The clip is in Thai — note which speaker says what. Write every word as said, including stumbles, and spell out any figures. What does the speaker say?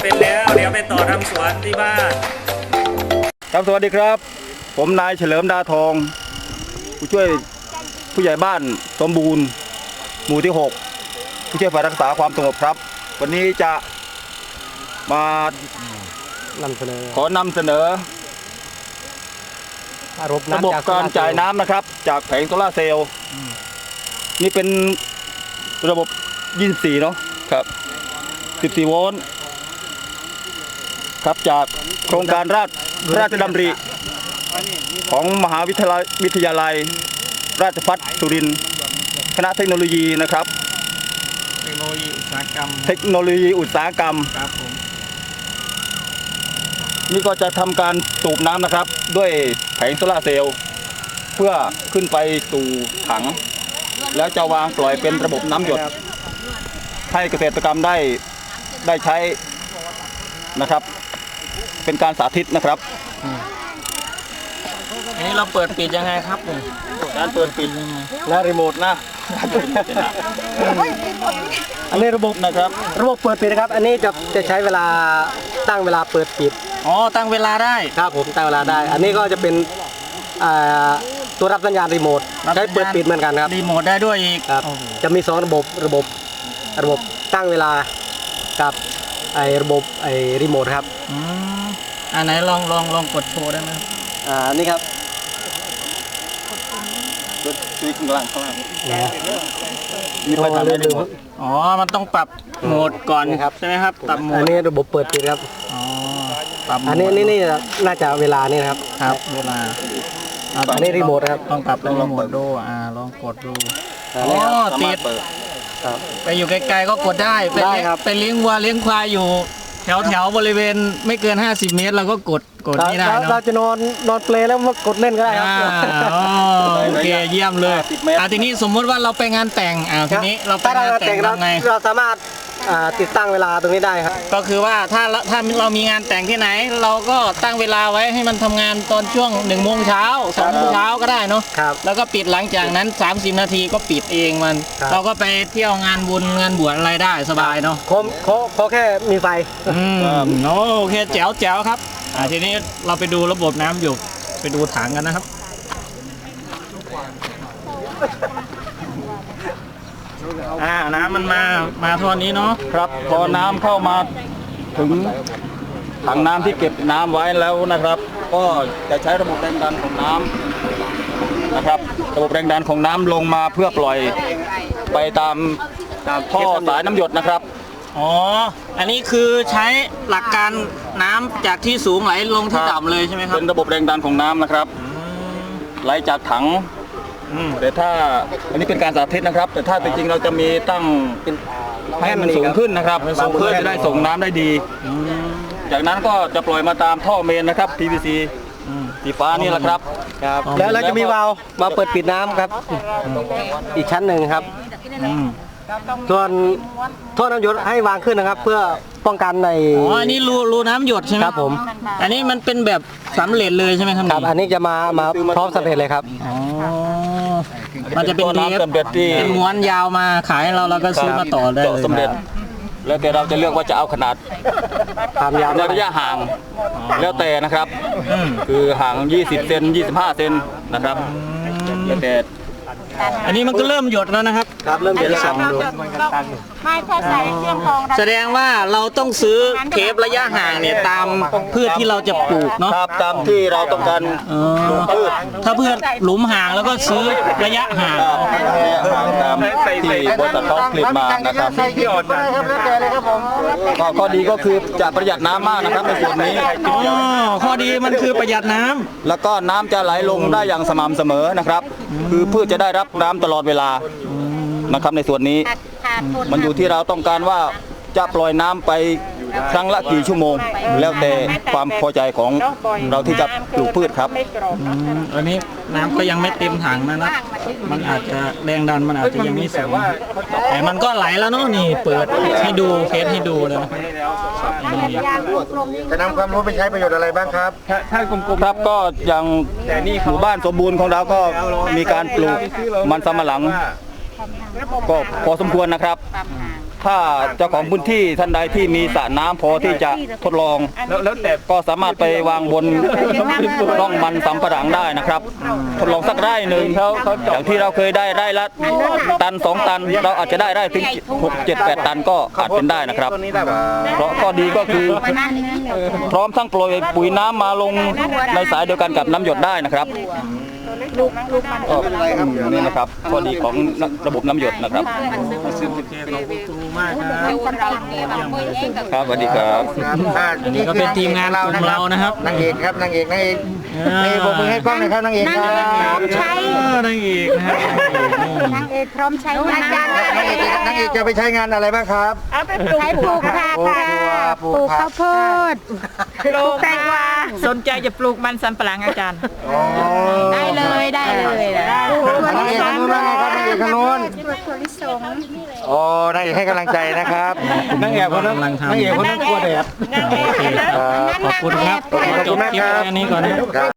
Speaker 1: เป็นแล้วเดี๋ยวไปต่อทำสวนที่บ้าน
Speaker 2: ครับสวัสดีครับผมนายเฉลิมดาทองผู้ช่วยผู้ใหญ่บ้านสมบูรณ์หมู่ที่หกผู้ช่วยฝ่ายรักษาความสงบครับวันนี้จะมานำเสนอขอนำเสนอระบบการจ่ายน้ำนะครับจากแผงโซลาร์เซลล์นี่เป็นระบบยี่สิบสี่เนาะครับสิบสี่โวลต์ครับจากโครงการราชราชดำริของมหาวิทยาลัยวิทยาลัยราชภัฏสุรินทร์คณะเทคโนโลยีนะครับ
Speaker 1: เทคโนโลยีอุตสาหกรรม
Speaker 2: เทคโนโลยีอุตสาหกรรม
Speaker 1: ครับผม
Speaker 2: นี่ก็จะทำการสูบน้ำนะครับด้วยแผงโซลาร์เซลล์เพื่อขึ้นไปสู่ถังแล้วจะวางปล่อยเป็นระบบน้ำหยดให้เกษตรกรรมได้ได้ใช้นะครับเป็นการสาธิตนะครับ
Speaker 1: อันนี้เราเปิดปิดยังไงครับเนี่ย
Speaker 2: การเปิดปิดนะรีโมทนะ
Speaker 3: อันนี้ระบบนะครับระบบเปิดปิดนะครับอันนี้จะจะใช้เวลาตั้งเวลาเปิดปิด
Speaker 1: อ๋อตั้งเวลาได้
Speaker 3: ครับผมตั้งเวลาได้อันนี้ก็จะเป็นตัวรับสัญญาณรีโมทใช้เปิดปิดเหมือนกันครับ
Speaker 1: รีโมทได้ด้วยอีก
Speaker 3: ครับจะมีสองระบบระบบระบบตั้งเวลากับไอ้ระบบไอ้รีโมทครับ
Speaker 1: อืมอันไหนลองลองลองกดโชว์ได้ไหม
Speaker 3: อ่านี่ครับ
Speaker 2: กดคลิกข้างล่างข้างล่าง
Speaker 3: มีไฟทำได้รีโมท
Speaker 1: อ๋อมันต้องปรับโหมดก่อนครับใช่ไหมครับปรับโหมด
Speaker 3: อันนี้ระบบเปิดปิดครับ
Speaker 1: อ๋อปรับ
Speaker 3: อันนี้นี่นี่น่าจะเวลานี่นะครับ
Speaker 1: ครับเวลา
Speaker 3: อันนี้รีโมทครับ
Speaker 1: ต้องปรับเป็นรีโมทดูอ่าลองกดดูอ๋อติดไปอยู่ไกลๆก็กดได้
Speaker 3: ได้ครับ
Speaker 1: ไปเลี้ยงวัวเลี้ยงควายอยู่แถวแถวบริเวณไม่เกินห้าสิบเมตรเราก็กดกดนี่ได้เนาะ
Speaker 3: เราจะนอนนอนเปลแล้วมากดเล่นก็ได้ครับ
Speaker 1: โอเคเยี่ยมเลยอ่ะทีนี้สมมติว่าเราไปงานแต่งอ่าทีนี้เราไปงานแต่งทำไง
Speaker 3: เราสามารถติดตั้งเวลาตรงนี้ได้ครับ
Speaker 1: ก็คือว่าถ้าถ้าเรามีงานแต่งที่ไหนเราก็ตั้งเวลาไว้ให้มันทำงานตอนช่วงหนึ่งโมงเช้าสองโมงเช้าก็ได้เนาะแล้วก็ปิดหลังจากนั้นสามสิบนาทีก็ปิดเองมันเราก็ไปเที่ยวงานบุญงานบวชอะไรได้สบายเนาะ
Speaker 3: ขอขอขอแค่มีไฟ
Speaker 1: อืมโอเคแจ๋วแจ๋วครับอ่าทีนี้เราไปดูระบบน้ำอยู่ไปดูถังกันนะครับอ่าน้ำมันมามาท่อนี้เนาะ
Speaker 2: ครับพอน้ำเข้ามาถึงถังน้ำที่เก็บน้ำไว้แล้วนะครับ ก็จะใช้ระบบแรงดันของน้ำนะครับระบบแรงดันของน้ำลงมาเพื่อปล่อยไปตามท่อสายน้ำหยดนะครับ
Speaker 1: อ๋ออันนี้คือใช้หลักการน้ำจากที่สูงไหลลงที่ต่ำเลยใช่ไหมครับ
Speaker 2: เป็นระบบแรงดันของน้ำนะครับไหลจากถังแต่ถ้าอันนี้เป็นการสาธิตนะครับแต่ถ้าจริงๆเราจะมีตั้งให้มันสูงขึ้นนะครับเพื่อจะได้ส่งน้ำได้ดีจากนั้นก็จะปล่อยมาตามท่อเมนนะครับ พี วี ซี สีฟ้านี่แหละครับ
Speaker 3: แล้วเราจะมีวาล์วมาเปิดปิดน้ำครับอีกชั้นหนึ่งครับส่วนท่อน้ำหยดให้วางขึ้นนะครับเพื่อป้องกันใน
Speaker 1: อ๋ออันนี้รูรูน้ำหยดใช่ไหม
Speaker 3: ครับผม
Speaker 1: อันนี้มันเป็นแบบสำเร็จเลยใช่ไหมครับ
Speaker 3: ครับอันนี้จะมามาพร้อมสำเร็จเลยครับ
Speaker 1: อ๋อมันจะเป็นเทปเป็นม้วนยาวมาขายเราเราก็ซื้อมาต่อได้เลย
Speaker 2: สำเร็จแล้วแต่เราจะเลือกว่าจะเอาขนาด
Speaker 3: ความยาว
Speaker 2: ในระยะห่างแล้วแต่นะครับคือห่างยี่สิบเซนยี่สิบห้าเซนนะครับแล้วแต่
Speaker 1: อันนี้มันก็เริ่มหยดแล้วนะครับ
Speaker 3: ครับเริ่มหยดแล้วครับ
Speaker 4: ไม่ถ้าใส่เครื่องกรอง
Speaker 1: แสดงว่าเราต้องซื้อเทประยะห่างเนี่ยตามพืชที่เราจะปลูกเนาะ
Speaker 2: ครับตามที่เราต้องการปลูกพืช
Speaker 1: ถ้าพืชหลุมห่างแล้วก็ซื้อระยะห่าง
Speaker 2: ระยะห่างตามที่บริษัทเขาผลิตมานะครับก็ข้อดีก็คือจะประหยัดน้ำมากนะครับในส่วนนี้
Speaker 1: อ๋อข้อดีมันคือประหยัดน้ำ
Speaker 2: แล้วก็น้ำจะไหลลงได้อย่างสม่ำเสมอนะครับคือพืชจะได้รับน้ำตลอดเวลานะครับในส่วนนี้มันอยู่ที่เราต้องการว่าจะปล่อยน้ำไปครั้งละกี่ชั่วโมงแล้วแต่ความพอใจของเราที่จะปลูกพืชครับ
Speaker 1: อันนี้น้ำก็ยังไม่เต็มถังนะนะมันอาจจะแรงดันมันอาจจะยังไม่สูงแต่มันก็ไหลแล้วเนาะนี่เปิดให้ดูเทสให้ดูเลย
Speaker 3: จะนำความรู้ไปใช้ประโยชน์อะไรบ้างครับ
Speaker 2: ถ้ากลุ่มๆครับก็อย่างหมู่บ้านสมบูรณ์ของเราก็มีการปลูกมันสำปะหลังก็พอสมควรนะครับถ้าเจ้าของพื้นที่ท่านใดที่มีสระน้ำพอที่จะทดลอง แล้วแล้วแต่ก็สามารถไปวางบนร่องมันสำปะหลังได้นะครับ ทดลองสักไร่หนึ่งอย่างที่เราเคยได้ไร่ละตันสองตัน เราอาจจะได้ไร่ถึงหกเจ็ดแปดตันก็อาจเป็นได้นะครับ เพราะข้อดีก็คือพร้อมทั้งโปรยปุ๋ยน้ำมาลงในสายเดียวกันกับน้ำหยดได้นะครับก็นี่นะครับข้อดีของระบบน้ำหยดนะครับครับสวัสดีครับ
Speaker 1: อันนี้ก็เป็นทีมงานกลุ่มเรานะครับ
Speaker 3: นางเอกครับนางเอกนางเอกนี่ผมมือให้กล้องหน่อยครับนางเอกครับ
Speaker 4: ใช้
Speaker 1: นางเอกนะครับ
Speaker 4: นางเอกพร้อมใช้งาน
Speaker 3: นางเอกนางเอกจะไปใช้งานอะไรบ้างครับ
Speaker 4: ใช้ปลูกผักค่ะปลูกข้าวโพดปลูกแตงกวา
Speaker 5: สนใจจะปลูกมันสำปะหลังอาจารย์
Speaker 4: ได้เลยได้เลยนะ
Speaker 3: นางเอกทางนู้นว่าไงครับนางเอกทางนู้น
Speaker 4: ถั่วลิสง
Speaker 3: โอ้นางเอกให้กำลังใจนะครับนางเอกคนนั้นนางเอกคนนั้นกลัวแดด
Speaker 4: นางเอก
Speaker 1: ขอบคุณครับ
Speaker 3: ขอบคุณมากครับ
Speaker 1: จบคลิปแค่นี้ก่อนนะครับ